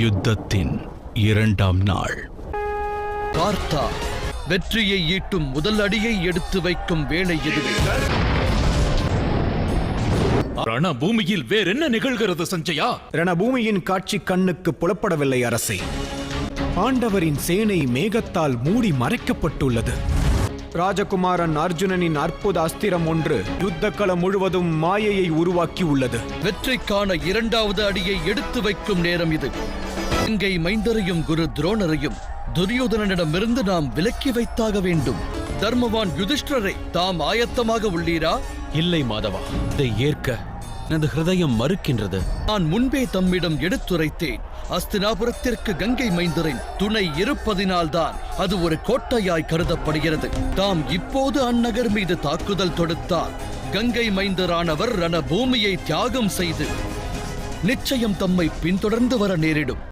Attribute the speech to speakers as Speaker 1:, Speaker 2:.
Speaker 1: யுத்தத்தின் 2ஆம் நாள்.
Speaker 2: பார்த்தா வெற்றியை ஈட்டும் முதல் அடியை எடுத்து வைக்கும் வேளை இதுவே.
Speaker 3: ரணபூமியில் வேறென்ன நிகழ்கிறது சஞ்சயா?
Speaker 4: ரணபூமியின் காட்சி கண்ணுக்கு புலப்படவில்லை அரசே. பாண்டவரின் சேனை மேகத்தால் மூடி மறைக்கப்பட்டுள்ளது. ராஜகுமாரன் அர்ஜுனனின் அற்புத அஸ்திரம் ஒன்று யுத்த களம் முழுவதும் மாயையை உருவாக்கி உள்ளது.
Speaker 2: வெற்றிக்கான 2வது அடியை எடுத்து வைக்கும் நேரம் இது. கங்கை மைந்தரையும் குரு துரோணரையும் துரியோதனனிடமிருந்து நாம் விலக்கி வைத்தாக வேண்டும். தர்மவான் யுதிஷ்டரை தாம் ஆயத்தமாக உள்ளீரா?
Speaker 5: இல்லை மாதவா, இதை ஏற்க எனது ஹிருதயம் மறுக்கின்றது.
Speaker 2: நான் முன்பே தம்மிடம் எடுத்துரைத்தேன். அஸ்தினாபுரத்திற்கு கங்கை மைந்தரின் துணை இருப்பதினால்தான் அது ஒரு கோட்டையாய் கருதப்படுகிறது. தாம் இப்போது அந்நகர் மீது தாக்குதல் தொடுத்தால் கங்கை மைந்தரானவர் ரணபூமியை தியாகம் செய்து நிச்சயம் தம்மை பின்தொடர்ந்து வர நேரிடும்.